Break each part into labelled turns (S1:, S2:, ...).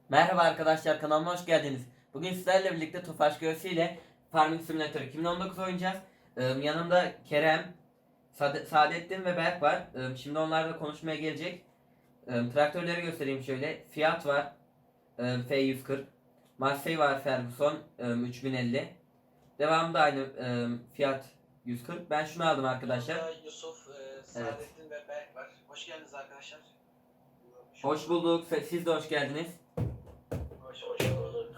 S1: Merhaba arkadaşlar, kanalıma hoş geldiniz. Bugün sizlerle birlikte Tofaş Göğsü ile Farming Simulator 2019 oynayacağız. Yanımda Kerem, Saadettin ve Berk var. Şimdi onlarla konuşmaya gelecek. Traktörleri göstereyim şöyle. Fiat var, F140. Massey var, Ferguson 3050. Devamında aynı Fiat 140. Ben şunu aldım arkadaşlar.
S2: Burada Yusuf, Saadettin ve Berk var. Hoş geldiniz arkadaşlar.
S1: Hoş bulduk. Siz de hoş geldiniz.
S2: Hoş bulduk.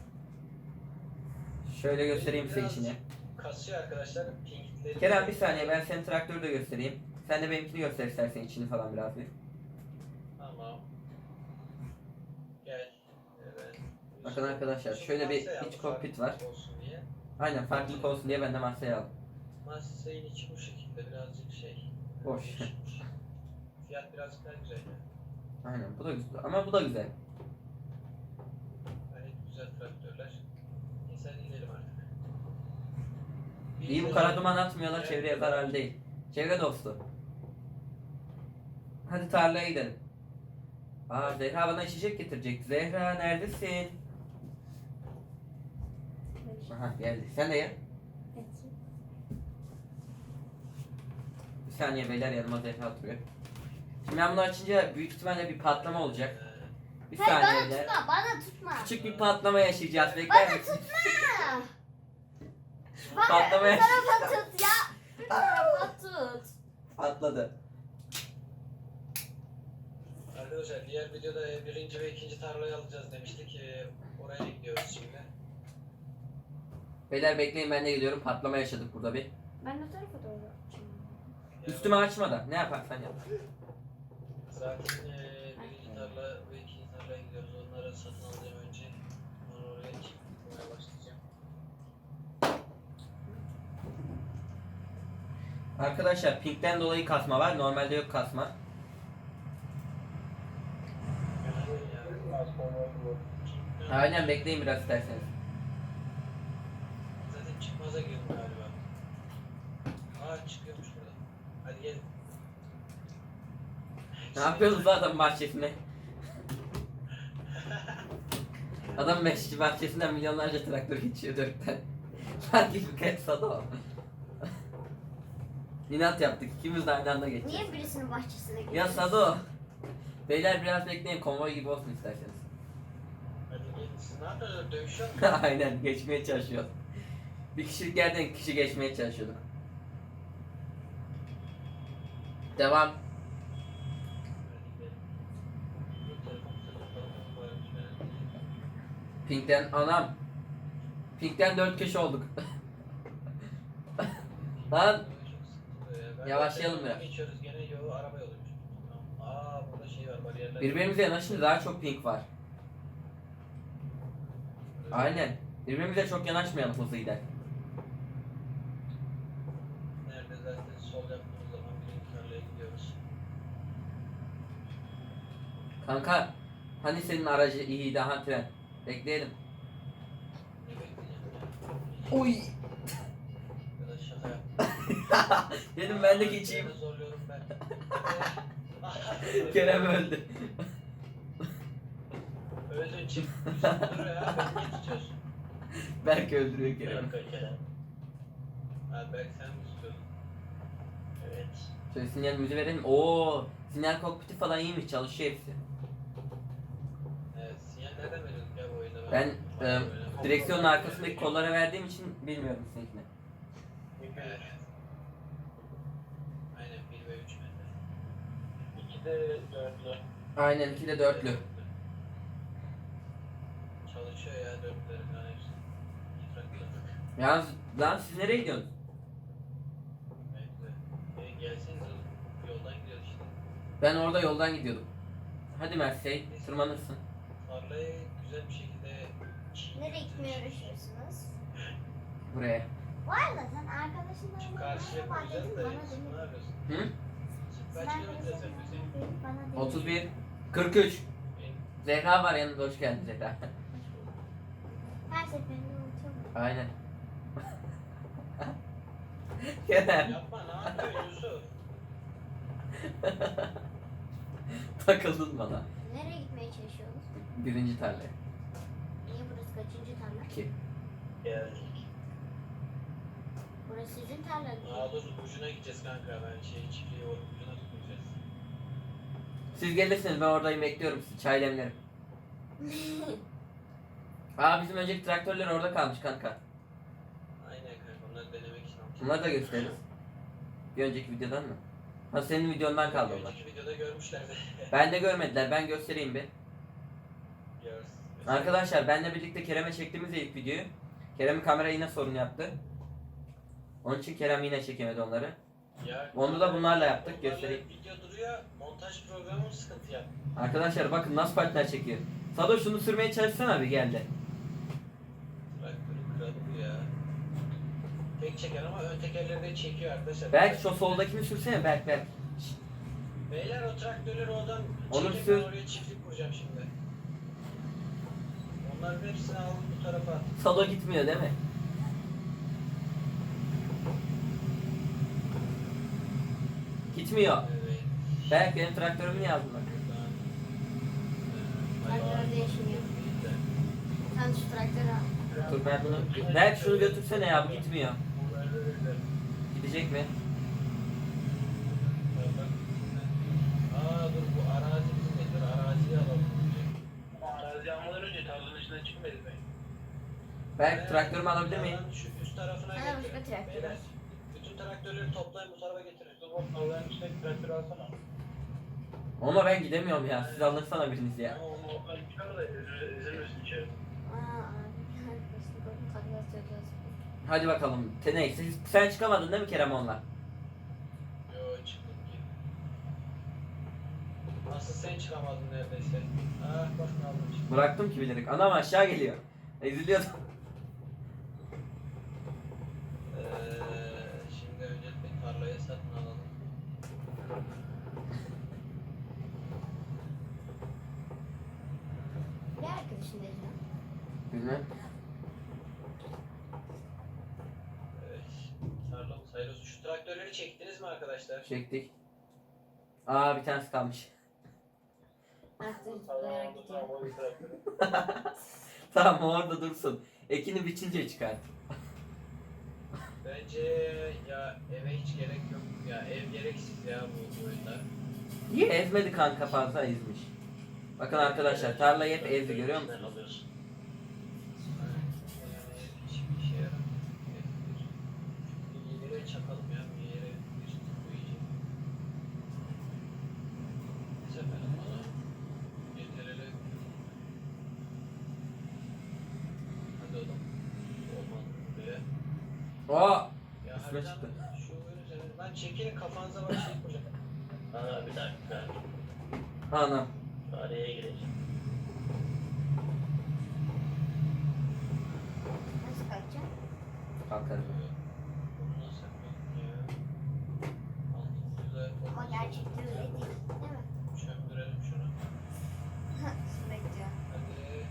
S1: Şöyle göstereyim size
S2: Biraz
S1: içini.
S2: kasıyor arkadaşlar. Pingitleri.
S1: Kerem bir saniye, ben senin traktörü de göstereyim. Sen de benimkini göster istersen, içini falan biraz bir.
S2: Tamam. Gel. Evet.
S1: Bakın arkadaşlar, şöyle bir iç kokpit var.
S2: Olsun diye.
S1: Aynen, farklılık olsun diye ben de masaya aldım.
S2: Massey'in içi bu şekilde birazcık şey.
S1: Boş.
S2: Fiyat birazcık daha güzel.
S1: Aynen, bu da güzel ama bu da güzel.
S2: Gayet güzel traktörler. Neyse inelim artık.
S1: İyi, bu kara duman atmıyorlar, çevreye zararlı değil. Çevre dostu. Hadi tarlaya gidelim. Aa, Zehra bana içecek getirecek. Zehra neredesin? Aha, geldi. Sen de gel. Bir saniye beyler, yanıma Zehra oturuyor. Şimdi ben bunu açınca büyük ihtimalle bir patlama olacak. Bir
S3: Hayır,
S1: saniye
S3: bana
S1: beyler.
S3: tutma, bana tutma.
S1: Küçük bir patlama yaşayacağız. Bekler
S3: Bana
S1: misin?
S3: tutma.
S1: Patlama
S3: Bu
S1: yaşayacağız.
S3: tarafa tut ya. Bu tarafa tut.
S1: Patladı.
S2: Arkadaşlar diğer videoda birinci ve ikinci tarlayı alacağız demiştik. Oraya gidiyoruz şimdi.
S1: Beyler bekleyin, ben de gidiyorum. Patlama yaşadık burada bir.
S3: Ben o tarafa doğru.
S1: Üstüme açma da. Ne yaparsan yap.
S2: Zaten birinci tarla ve ikinci tarlaya gidiyoruz. Onları satın alacağım önce. Sonra oraya çıkmaya başlayacağım.
S1: Arkadaşlar pinkten dolayı kasma var. Normalde yok kasma. Aynen, bekleyin biraz isterseniz.
S2: Zaten çıkmaza girdim galiba. Aa, çıkıyormuş burada. Hadi gelin.
S1: Ne yapıyorsunuz lan adam bahçesine? Adam meşçi bahçesinden milyonlarca traktör geçiyor dörtten. Sanki bir kez o. İnat yaptık. İkimiz de aynı anda geçeceğiz.
S3: Niye birisinin bahçesine
S1: Ya
S3: gidiyorsun?
S1: Sado. Beyler biraz bekleyin, konvoy gibi olsun isterseniz.
S2: Hadi gelin. Siz ne yapıyorsunuz? Dövüşüyor musunuz?
S1: Aynen, geçmeye çalışıyoruz. Bir kişilik yerden iki kişi geçmeye çalışıyorduk. Devam.
S2: Hadi gidelim. Bu telefon koymuş herhalde.
S1: Pink'ten anam. Pink'ten 4 kişi olduk. Lan Yavaşlayalım biraz.
S2: Geçiyoruz gene yolu araba yoluymuş. Tamam. Aa, burada şey var, bariyerler.
S1: birbirimize yanaşınca daha çok pink var. Aynen. Birbirimize çok yanaşmayalım hızlı gider.
S2: Nerede zaten sol yaptığımız zaman birinci tarlaya gidiyoruz.
S1: Kanka, hani senin aracı iyiydi, ha tren. Bekleyelim.
S2: Ne bekleyeceğim ya?
S1: Oy.
S2: Ya da şaka yap.
S1: Dedim ben de geçeyim.
S2: Seni zorluyorum ben.
S1: Kerem öldü.
S2: Öldün, çık. Dur ya, beni niye tutuyorsun?
S1: Belki öldürüyor Kerem.
S2: Kerem. Ha, belki sen mi tutuyorsun? Evet.
S1: Şöyle sinyalimizi verelim. Oo, sinyal kokpiti falan iyiymiş, çalışıyor hepsi.
S2: Evet, sinyal nereden veriyorduk ya bu oyunda?
S1: Ben
S2: Bayağı
S1: direksiyonun arkasındaki kollara verdiğim için bilmiyorum seninkini.
S2: Evet. Aynen 1 ve 3 metre. 2 de 4'lü.
S1: Aynen, 2 de 4'lü.
S2: Çalışıyor ya 4'lerin falan hepsi. Traktör.
S1: Yalnız lan, siz nereye gidiyorsunuz?
S2: Evet. Gelseniz yoldan gidiyoruz işte.
S1: Ben orada yoldan gidiyordum. Hadi Mersey, tırmanırsın.
S2: Tarlayı güzel bir şekilde
S3: Nereye gitmeye uğraşıyorsunuz?
S1: Buraya.
S3: Bu arada sen arkadaşınla
S2: Şu karşıya
S3: merhaba
S2: koyacağız
S3: dedin
S2: da
S3: bana
S2: ne
S3: demedin.
S2: yapıyorsun?
S1: Hı?
S2: Kaç
S3: Sen
S2: kilometre
S3: mesela
S2: yapıyorsun?
S3: bana demedin.
S1: 31, 43. Zehra var yanında, hoş geldin Zehra.
S3: Her seferinde unutuyorum.
S1: Aynen. Kerem,
S2: Yapma, ne yapıyorsun Yusuf?
S1: takıldın bana.
S3: Nereye gitmeye çalışıyorsunuz?
S1: Birinci tarlaya.
S3: Niye burası kaçıncı tarla?
S1: 2.
S2: Geldik.
S3: Burası sizin tarlanız.
S2: Aa dur ucuna gideceğiz kanka. Ben çiftliği ucuna tutmayacağız.
S1: Siz gelirsiniz ben oradayım bekliyorum sizi. Çay demlerim. Aa bizim önceki traktörler orada kalmış kanka.
S2: Aynen kanka onları denemek için almışım.
S1: Bunları da gösteririz. Bir önceki videodan mı? Ha senin videondan kaldı onlar.
S2: Önceki videoda görmüşlerdi.
S1: Ben de görmediler. Ben göstereyim bir.
S2: Görsün.
S1: Arkadaşlar benle birlikte Kerem'e çektiğimiz ilk videoyu. Kerem'in kamera yine sorun yaptı. Onun için Kerem yine çekemedi onları.
S2: Ya,
S1: Onu da bunlarla yaptık,
S2: onlarla
S1: göstereyim.
S2: Video duruyor. Montaj programı sıkıntı yap.
S1: Arkadaşlar bakın nasıl partner çekiyor. Sado şunu sürmeye çalışsana bir geldi.
S2: Traktörü kralı ya. Tek çeker ama ön tekerleri de çekiyor arkadaşlar.
S1: Belki şu soldakini sürsene Berk.
S2: Beyler o traktörleri oradan
S1: Onu
S2: çekip
S1: sür.
S2: ben oraya çiftlik kuracağım şimdi. Onların hepsini aldım bu tarafa at.
S1: Sado gitmiyor değil mi? Gitmiyor.
S2: Evet.
S1: Berk benim traktörümü niye aldın bak?
S2: Buradan.
S3: Traktör değişmiyor. Sen şu traktörü al.
S1: Dur ben bunu... Berk şunu götürsene ya bu gitmiyor. Gidecek mi?
S2: Aa dur bu arazi bizim de. Dur araziyi alalım. Arazi almadan önce tarlanın içinden çıkmayız be.
S1: Berk traktörümü alabilir miyim?
S2: Şu üst tarafına
S3: Sana
S2: getirin.
S3: başka traktör
S2: Beyler,
S3: al.
S2: bütün traktörleri toplayın bu tarafa getirin. Dur bak tarlanın içindeki traktörü alsana.
S1: Ama ben gidemiyorum ya. Siz alırsana biriniz ya.
S2: Ama onu çıkar da üzülürsün içeri.
S3: Aa abi. Arkadaşlık oldu. Takla atıyoruz.
S1: Hadi bakalım. Neyse sen çıkamadın değil mi Kerem onunla?
S2: Yo çıktım ki. Asıl sen çıkamadın neredeyse. Ah bak ne aldım şimdi.
S1: Bıraktım ki bilerek. Anam aşağı geliyor. Eziliyordum.
S2: Şimdi öncelikle tarlayı satın alalım.
S3: Bir arkadaşın dedi lan.
S1: Bilmem.
S2: Evet. Tarlamız hayırlı olsun. Şu traktörleri çektiniz mi arkadaşlar?
S1: Çektik. Aa bir tanesi kalmış.
S3: Traktör zıplayarak gidiyor.
S1: Tamam o orada dursun. Ekini biçince çıkart.
S2: Bence ya eve hiç gerek yok. Ya ev gereksiz ya bu oyunda.
S1: Niye ezmedi kanka fazla ezmiş. Bakın arkadaşlar tarlayı hep ezdi görüyor musunuz?
S2: Yani hiçbir işe yaramıyor. Bir yere çakalım ya. Bir yere bir koyacağım. Bu sefer bana getirelim. Hadi oğlum. Olmadı buraya.
S1: Oo.
S2: Ya
S1: Üstüne
S2: harbiden
S1: çıktı.
S2: şu oyun üzerine. Lan çekilin kafanıza bak şey koyacağım.
S4: Aa bir dakika.
S1: Anam.
S4: Araya gireceğim.
S3: Nasıl kaçacak?
S1: Kalkarım.
S2: Bunu nasıl yapayım ya? Altımızda
S3: Ama gerçekten öyle değil. Değil mi?
S2: çömdürelim şunu.
S3: Sürekli diyor.
S2: Hadi.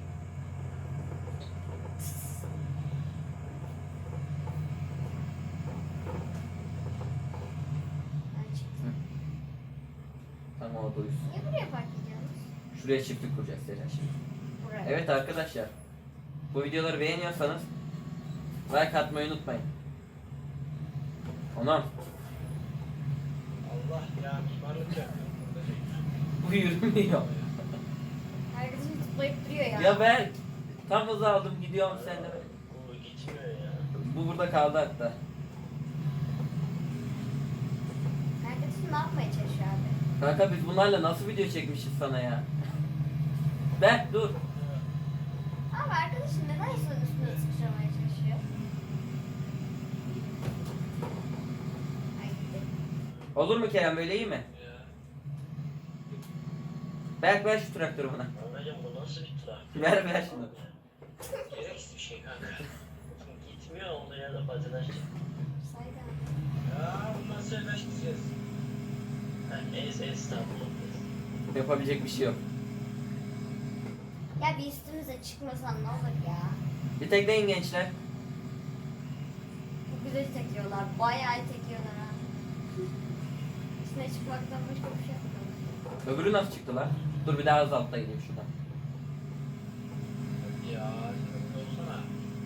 S3: Ben çıktım.
S1: Tamam o duysun.
S3: Niye buraya park ediyorsunuz?
S1: Şuraya çiftlik kuracağız Selen şimdi.
S3: Buraya.
S1: Evet arkadaşlar. Bu videoları beğeniyorsanız like atmayı unutmayın. Anam.
S2: Allah ya mimarlık yapıyorum burada.
S1: Bu yürümüyor.
S3: Arkadaşım zıplayıp duruyor ya.
S1: Ya ben tam hızı aldım gidiyorum sen de.
S4: Bu gitmiyor ya.
S1: Bu burada kaldı hatta.
S3: Arkadaşım ne yapmaya çalışıyor abi?
S1: Kanka biz bunlarla nasıl video çekmişiz sana ya? Ben dur.
S3: Abi arkadaşım neden insanın üstüne sıçramaya çalışıyor? Ay gitti.
S1: Olur mu Kerem böyle iyi mi?
S2: Ya.
S1: Berk ver şu traktörü bana.
S4: Anacığım bu nasıl bir traktör?
S1: Ver şunu.
S2: Gereksiz bir şey kanka.
S4: Gitmiyor olduğu yerde patinaj çek.
S3: Saygı.
S2: Ya bundan sonra gideceğiz.
S4: İstanbul'da.
S1: Yapabilecek bir şey yok.
S3: Ya bir üstümüze çıkmasan ne olur ya?
S1: Bir tekleyin gençler.
S3: Çok güzel tekiyorlar. Bayağı tekiyorlar ha. Üstüne çıkmaktan başka bir şey yapmıyorlar.
S1: Öbürü nasıl çıktı lan? Dur bir daha hız altta gideyim şuradan.
S2: Hadi ya, sen olsana.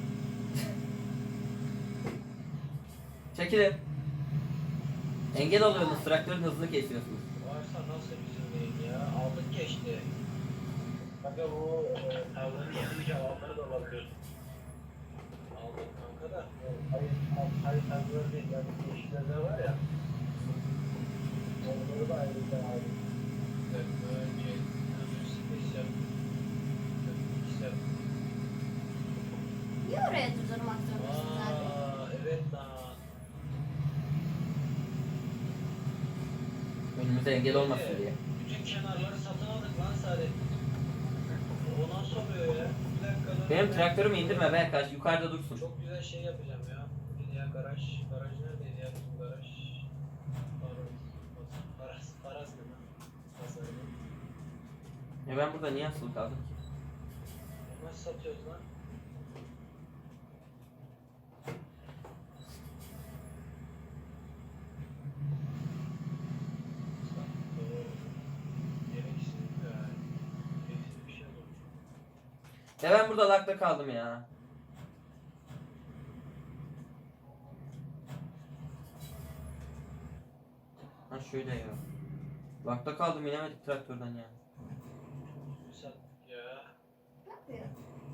S1: Çekilin. Engel oluyorsunuz, traktörün hızını kesiyorsunuz.
S2: Varsa nasıl bizim değil ya? Aldık geçti.
S4: Kanka bu tavların yanı cevapları da olabilir.
S2: Aldık kanka da.
S4: Hayır tavlar değil. Yani yeşiller var ya. Onları da ayrıca ayrı.
S2: Bir dakika önce bir space yap. Space yap.
S3: Niye oraya durdurmak zorundasın abi?
S2: Evet lan.
S1: Önümüze engel olmasın diye.
S2: Bütün kenarları satın aldık lan Saadettin. O nasıl oluyor ya? Bir dakika dur.
S1: Benim traktörümü indirme Berkaç, yukarıda dursun.
S2: Çok güzel şey yapacağım ya. Bir ya garaj. Garaj neredeydi ya bizim garaj? Paras mı lan? Pazarı.
S1: Ben burada niye asılı kaldım ki?
S2: Nasıl satıyoruz lan? Gereksiz yani. Gereksiz bir şey olur.
S1: Ben burada lakta kaldım ya. Ha şöyle ya. Lakta kaldım, inemedik traktörden ya.
S2: Sattık ya.
S3: Ne yapıyor?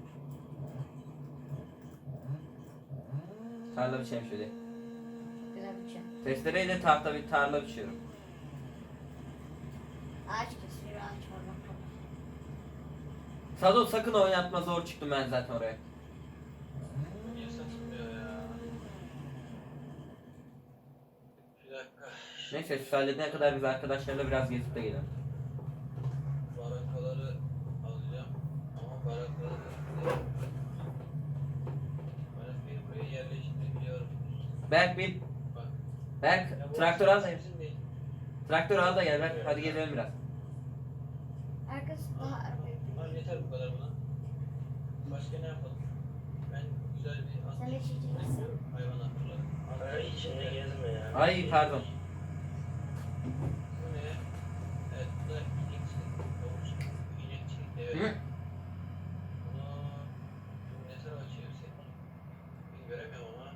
S1: Tarla biçelim şöyle.
S3: Güzel bir şey.
S1: Testereyle tarla biçiyorum.
S3: Ağaç kesiyor, ağaç var bak.
S1: Sado sakın oynatma, zor çıktım ben zaten oraya.
S2: Niye satılmıyor ya? Bir dakika.
S1: Neyse şu halledene kadar biz arkadaşlarla biraz gezip de gelelim.
S2: Barakaları alacağım. Ama barakları barakayı buraya yerleştirebiliyorum.
S1: Berk bin.
S2: Bak.
S1: Berk
S2: Ya bu
S1: traktör al da gel.
S2: bizim değil.
S1: Traktör al da gel Berk. Hadi gezelim biraz.
S3: Arkası daha arabaya
S2: Tamam yeter bu kadar buna. Başka ne yapalım? Ben güzel bir at
S3: Sen de çiçek misin?
S2: hayvan hatırladım.
S4: Ay içinde gezme ya.
S1: Ay pardon.
S2: Bu ne? Evet bu da inekçilik. Doğrusu inekçilik de
S1: Hı?
S2: evet. Bunu ne tarafa çevirsek? Ben göremiyorum ama.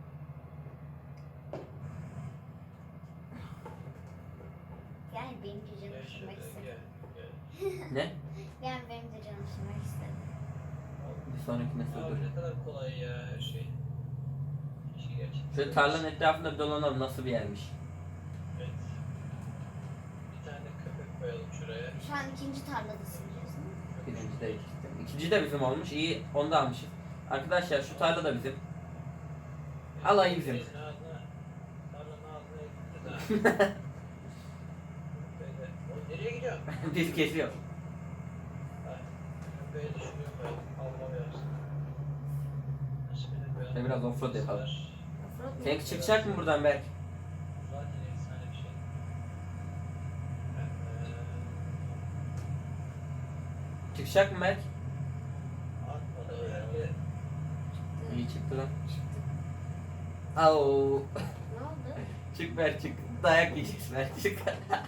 S3: Gel benim de canım
S2: Gel
S3: üşümek
S2: şöyle
S3: istedi.
S2: gel.
S1: Ne?
S3: Gel benim de canım üşümek istedi.
S1: Bir sonrakine
S2: Abi
S1: sürdür.
S2: ne kadar kolay ya her şey. Keşke gerçekten.
S1: Şöyle tarlanın etrafında bir dolanalım, nasıl bir yermiş.
S2: Evet. Bir tane de köpek koyalım şuraya.
S3: Şu an ikinci tarladasın diyorsun.
S1: Birinci de ikisi. İkinci de bizim olmuş. İyi, onu da almışız. Arkadaşlar şu tarla da bizim. Alayı bizim.
S2: Şeyin ağzına, tarlanın ağzına gideceğiz ha. Böyle. Oğlum nereye gidiyorsun?
S1: Biz kesiyor.
S2: Ha, köpeği de şuraya koyalım. Avlama yapsın. Nasıl bir de koyalım?
S1: Şöyle biraz offroad yapalım.
S3: Offroad mu?
S1: Seninki çıkacak mı buradan Berk?
S2: Zaten efsane bir şey.
S1: Çıkacak mı Berk?
S2: Atmadı yani.
S1: İyi çıktı lan.
S3: Çıktı.
S1: Au.
S3: Ne oldu?
S1: Çık Berk çık. Dayak yiyeceksin Berk çık.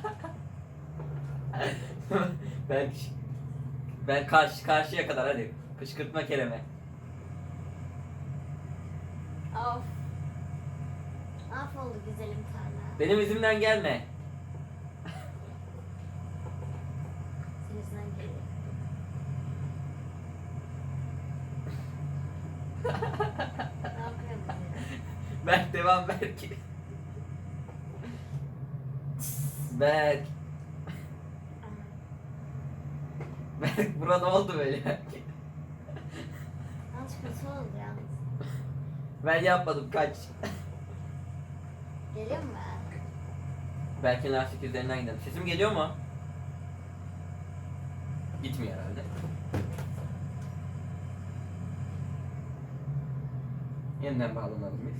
S1: Berk. Ben karşıya kadar hadi. Kışkırtma kelime.
S3: Of. Af oldu güzelim tarla.
S1: Benim izimden gelme.
S3: Senin yüzünden geliyor. Ne yapıyor bu?
S1: Berk devam Berk. Berk. Berk bura ne oldu böyle?
S3: Yanlış kötü oldu yalnız.
S1: Ben yapmadım kaç.
S3: Geliyor mu?
S1: Berk'in lastik üzerinden gidelim. Sesim geliyor mu? Gitmiyor herhalde. Yeniden bağlanalım biz.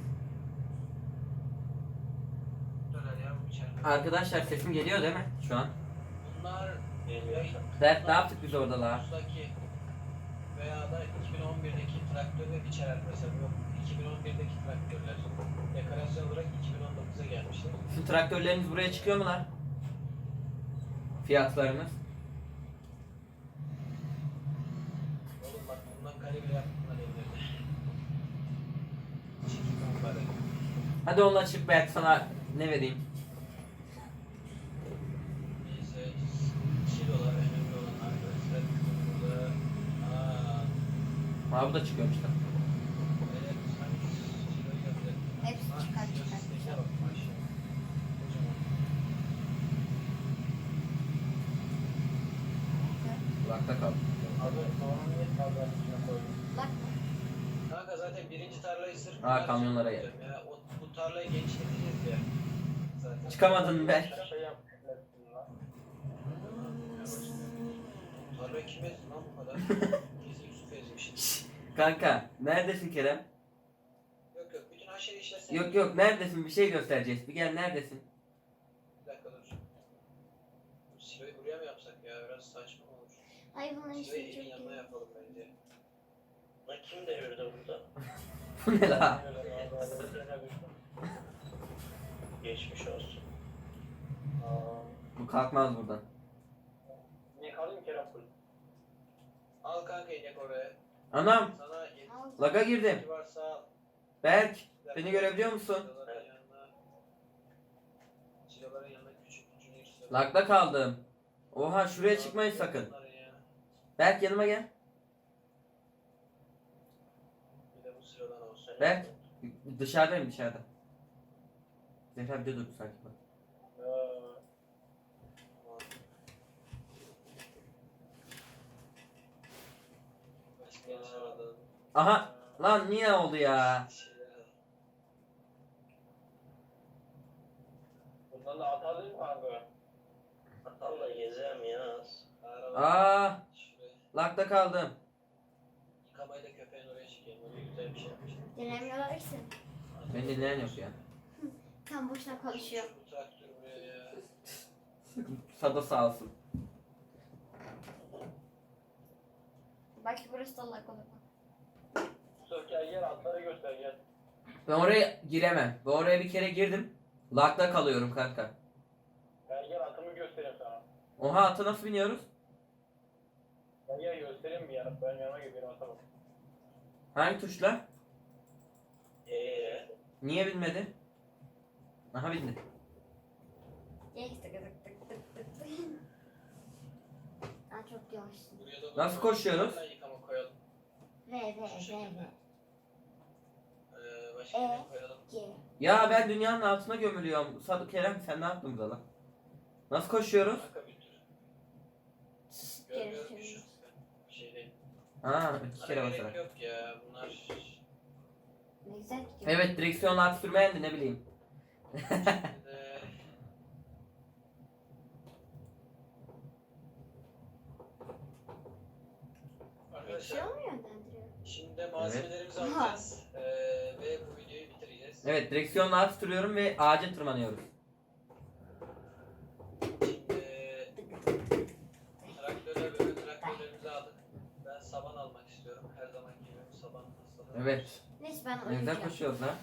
S2: Döner ya bu içeride.
S1: Arkadaşlar sesim geliyor değil mi şu an?
S2: Bunlar
S4: Geliyor.
S1: Berk ne yaptık biz orada la?
S2: Bursa'daki veya da 2011'deki traktörler içerer mesela. Yok 2011'deki traktörler. Dekorasyon olarak 2019'a gelmişler.
S1: Şu traktörlerimiz buraya çıkıyor mu lan? Fiyatlarımız.
S2: kalibre yaptığımdan evlerde. Çekil kampları.
S1: Hadi onunla çık belki sana ne vereyim.
S2: Neyse. Silolar önemli olan arkadaşlar. Burada.
S1: Ha bu da çıkıyormuş da.
S2: Evet. Sanki siloyu yapacak.
S3: Hepsi çıkar çıkar.
S2: Sesine bak maşallah. Kocaman.
S1: Kulakta kal.
S4: Abi sonra niye tarlanın içine koydun?
S3: Bak mı?
S2: Kanka zaten birinci tarlayı sırf
S1: Ha, kamyonlara gel.
S2: ya. Bu tarlayı genişleteceğiz ya. Zaten.
S1: Çıkamadın be.
S4: Şaka yapmışsın lan.
S2: Tarlayı kim ezdi lan bu kadar? Kesin Yusuf ezmiş.
S1: Kanka neredesin Kerem?
S2: Yok yok bütün haşeri işlesen.
S1: Yok yok neredesin bir şey göstereceğiz. Bir gel neredesin?
S2: Bir dakika dur. Bu siloyu buraya mı yapsak ya? Biraz saçma olur.
S3: Ay bunun
S2: Siloyu
S3: işi çok
S2: evin yanına
S3: iyi.
S2: yapalım bence.
S4: Lan kim devirdi burada?
S1: Bu ne la?
S4: Geçmiş olsun. Aa,
S1: Bu kalkmaz buradan.
S4: niye kaldın Kerem full?
S2: Al kanka inek oraya.
S1: Anam
S2: Sana
S3: Al.
S1: laga girdim.
S2: yetki varsa al.
S1: Berk beni görebiliyor musun?
S2: Siloların yanına. Siloların yanına küçük junior silo.
S1: Lagda kaldım. Oha şuraya çıkmayın sakın.
S2: Bunların ya.
S1: Berk yanıma gel.
S2: Bir de bu silodan olsun.
S1: Berk dışarıdayım dışarıda. Zehra bir de dur sanki bak.
S2: Tamam. Başka yanlış aradın.
S1: Aha lan niye oldu ya?
S2: Şeyler al.
S4: Bundan da atalım mı kanka? Atalla gezerim ya.
S2: Araba.
S1: Aa
S2: Şuraya.
S1: lagda kaldım.
S2: Yıkamayı da köpeğin oraya çekeyim. O da güzel bir şey yapmış.
S3: Dinlemiyorlar ki seni.
S1: Beni dinleyen yok ya.
S3: Tam boşuna konuşuyor.
S2: Bu traktör buraya ya.
S1: Sada sağ olsun.
S3: Belki burası da Allah olur.
S4: Yusuf gel atları göster gel.
S1: Ben oraya giremem. Ben oraya bir kere girdim. Lagda kalıyorum kanka.
S4: Gel atımı göstereyim sana.
S1: Oha atı nasıl biniyoruz?
S4: Gel göstereyim bir yana. Ben yanıma gidiyorum atama.
S1: Hangi tuşla? Niye binmedi? Aha bindi.
S3: Ye tık tık tık tık tık tık. Aa çok yavaşsın.
S2: Buraya da
S1: Nasıl koşuyoruz?
S2: Yıkama koyalım.
S3: V.
S2: Başka
S3: E.
S2: ne koyalım?
S3: G.
S1: Ya ben dünyanın altına gömülüyorum. Sadık Kerem sen ne yaptın burada lan? Nasıl koşuyoruz?
S2: Kanka bir tür. Görmüyorum ki şu.
S3: Görüşürüz.
S2: Bir şey değil.
S1: Ha iki kere
S2: Ara gerek
S1: basarak.
S2: yok ya. Bunlar
S3: Ne güzel gidiyor.
S1: Evet direksiyonla at sürmeyen de ne bileyim.
S2: şimdi
S3: Bir şey
S2: arkadaşlar
S3: olmuyor yönlendiriyor.
S2: şimdi de malzemelerimizi
S3: Evet.
S2: alacağız. Ve bu videoyu bitireceğiz.
S1: Evet direksiyonla at sürüyorum ve ağaca tırmanıyoruz.
S2: Şimdi traktörlerimizi aldık. Ben saban almak istiyorum. Her zaman gibi saban hastalığı.
S1: Evet.
S3: Neyse ben
S1: Ne güzel
S3: oynayacağım.
S1: koşuyoruz lan.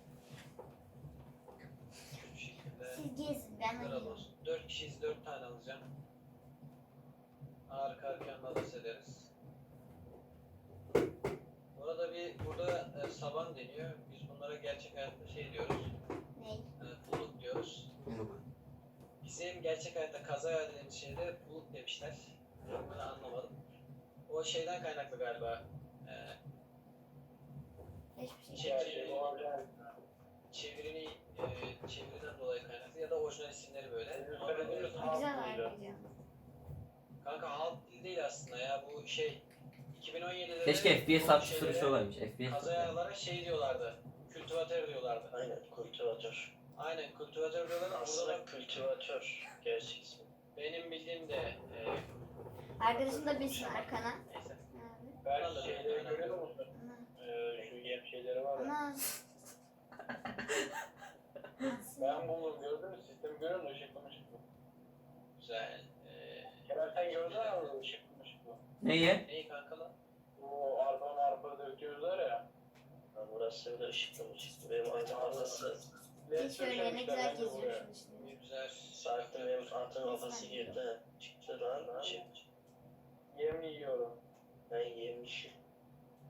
S2: Şu şekilde.
S3: Siz gezin ben
S2: Kral
S3: oynayacağım.
S2: olsun. 4 kişiyiz, 4 tane alacağım. Arka arkaya nalas ederiz. Bu arada burada saban deniyor. Biz bunlara gerçek hayatta şey diyoruz.
S3: Ney?
S2: Buluk diyoruz.
S1: Yok.
S2: Bizim gerçek hayatta kaza dediğimiz şeyde buluk demişler. Ben anlamadım. O şeyden kaynaklı galiba.
S3: Hiçbir şey.
S2: Çeviriden dolayı kaynaklı ya da orijinal isimleri böyle. Ama
S3: Güzel hareket.
S2: kanka halk dil değil aslında ya bu şey 2017'de
S1: Keşke FPS
S2: bu
S1: atış
S2: şeylere,
S1: sürüşü olaymış. FPS.
S2: kazayalara şey diyorlardı. Kültivatör diyorlardı.
S4: Aynen kultivatör.
S2: Aynen kültivatör diyorlardı. Burada da
S4: Kültivatör gerçek ismi.
S2: benim bildiğim de
S3: Arkadaşım da bilsin arkana.
S2: neyse.
S3: Abi.
S4: Ben şeyleri görüyor musun?
S3: Ana.
S4: Şu yem şeyleri var ya.
S3: Ana.
S4: Ben buldum gördün mü? Sistemi görüyor musun? Işıklı mışıklı.
S2: Güzel.
S4: Kerem sen gördün mü? Işıklı mışıklı.
S1: Neyi?
S2: Neyi kanka lan?
S4: Bu arpa döküyorlar ya. Burası öyle ışıklı mışıklı. Benim artık arkası.
S3: Hiç öyle ne güzel geziyorsun işte.
S2: Ne güzel.
S4: Saatte benim artık kafası girdi. Çıktı lan. Yem yiyorum. Ben yemişim.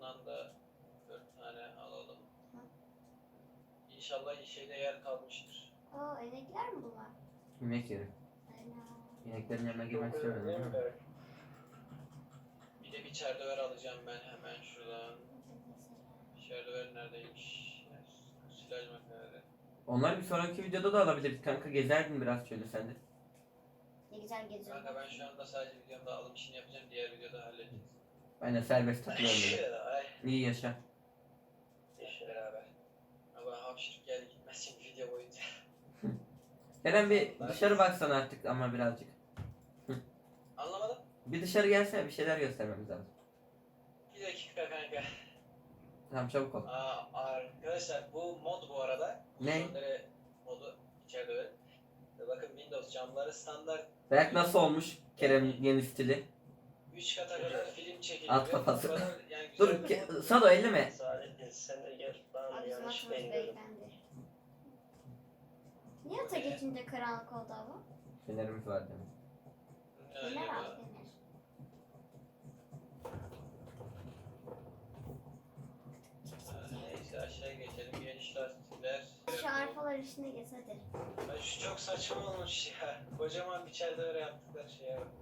S2: Ondan da 4 tane alalım. İnşallah şeyde yer kalmıştır.
S3: Oo inekler mi bunlar?
S1: Yemek yeri.
S3: Aynen.
S1: İneklerin yanına
S4: Çok
S1: girmek
S4: önemli
S1: istemiyorum
S4: değil mi
S1: ama.
S4: Berk?
S2: Bir de bir çerdöver alacağım ben hemen şuradan. Çerdöver neredeymiş? Silaj makineleri.
S1: Onlar bir sonraki videoda da alabiliriz kanka. Gezerdin biraz şöyle sen de.
S3: Ne güzel geziyorum.
S2: Kanka ben şu anda sadece videomda alım işini yapacağım. Diğer videoda halledeceğiz.
S1: Aynen serbest takılıyorum böyle.
S2: Ay.
S1: İyi yaşa.
S2: İş beraber. Ama hapşırık geldi gitmez şimdi video boyunca.
S1: Kerem bir dışarı baksana artık ama birazcık.
S2: Anlamadım.
S1: Bir dışarı gelsene, bir şeyler göstermemiz lazım.
S2: Bir dakika kanka.
S1: Tamam çabuk ol.
S2: Arkadaşlar bu mod bu arada.
S1: Ne?
S2: Şunları modu içeride öyle. Bakın Windows camları standart
S1: Berk nasıl olmuş Kerem'in yeni stili?
S2: 3 kata kadar film çekiliyor.
S1: At kafası.
S2: Bu kadar yani
S1: Dur
S2: güzel bir mod.
S1: Sado elleme.
S4: Saadettin sen de gel. Bana
S3: Abi bizim
S4: yanlış
S3: atımız
S4: gidiyorum.
S3: beyefendi. Niye ata geçince karanlık oldu hava?
S1: Fenerimiz var demek.
S2: Ne
S3: Fener
S2: acaba?
S3: al fener.
S2: Neyse aşağıya geçelim. Geniş lastikler.
S3: Şu arpalar işine geç hadi.
S2: Ay şu çok saçma olmuş ya. Kocaman bir çerde öyle yaptıkları şeye bak.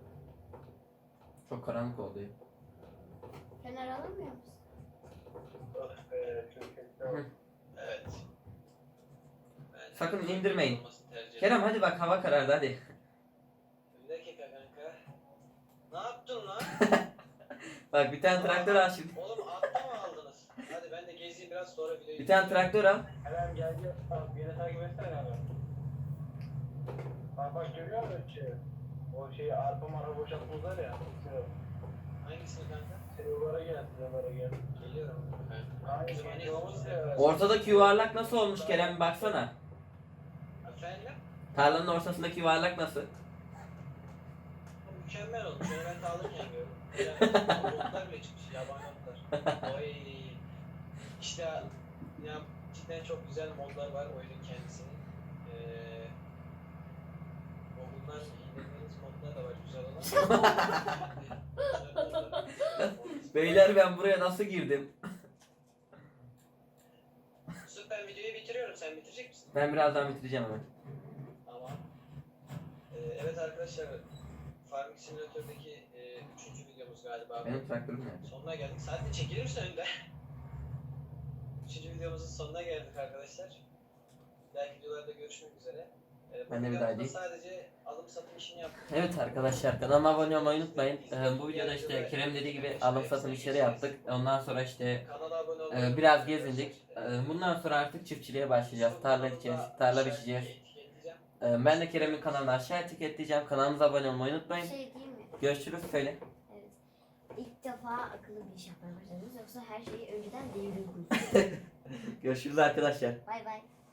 S1: Çok karanlık oldu ya.
S3: Fener alamıyor musun?
S4: Ah be, çok kötü.
S1: Hı.
S2: Evet. Ben
S1: Sakın indirmeyin.
S2: olmasını tercih ederim.
S1: Kerem hadi bak hava karardı hadi.
S2: Bir dakika kanka. Ne yaptın lan?
S1: Bak bir tane traktör al şimdi.
S2: Oğlum atta mı aldınız? Hadi ben de gezeyim biraz sonra videoyu.
S1: Bir tane traktör al.
S4: Kerem gel gel. Bak beni takip etsene abi. Bak görüyor musun şey? O şeyi arpa mara boşaltmışlar ya.
S2: Hangisini kanka?
S4: Silivara gel, silivara gel.
S2: Geliyorum.
S4: Hangi
S2: Bizim
S4: şey olmuş ya?
S1: Ortadaki yuvarlak nasıl olmuş Kerem bir baksana.
S2: Efendim?
S1: Tarlanın ortasındaki yuvarlak nasıl?
S2: Mükemmel olmuş. Onu ben de alırken gördüm. Yani otlar bile çıkmış. Yabani otlar. Oy. İşte ya cidden çok güzel modlar var oyunun kendisinin. Google'dan indirdiğiniz modlar da var güzel olan.
S1: Beyler ben buraya nasıl girdim?
S2: Süper videoyu bitiriyorum. Sen bitirecek misin?
S1: Ben birazdan bitireceğim hemen.
S2: Tamam. Evet arkadaşlar. Farming Simulator'daki 3. videomuz galiba.
S1: Benim traktörüm nerede?
S2: Sonuna geldik. Sadece çekilir misin önde? 3. videomuzun sonuna geldik arkadaşlar. Belki videolarda görüşmek üzere.
S1: Ben de bir
S2: videomuzda
S1: daha değil.
S2: sadece alım satım işini yaptık.
S1: Evet arkadaşlar kanalıma abone olmayı unutmayın. Bu videoda işte Kerem dediği gibi alım satım işleri yaptık. Ondan sonra işte
S2: Kanala abone olmayı
S1: biraz
S2: unutmayın
S1: gezindik.
S2: arkadaşlar.
S1: Bundan sonra artık çiftçiliğe başlayacağız. Tarla ekeceğiz, tarla biçeceğiz.
S2: Etiketleyeceğim.
S1: Ben de Kerem'in kanalını aşağı etiketleyeceğim. Kanalımıza abone olmayı
S3: Bir
S1: unutmayın.
S3: şey değil mi?
S1: Görüşürüz söyle.
S3: Evet. İlk defa akıllı bir iş yapmaya başladınız yoksa her şeyi önceden devriyordunuz.
S1: Görüşürüz arkadaşlar.
S3: Bay bay.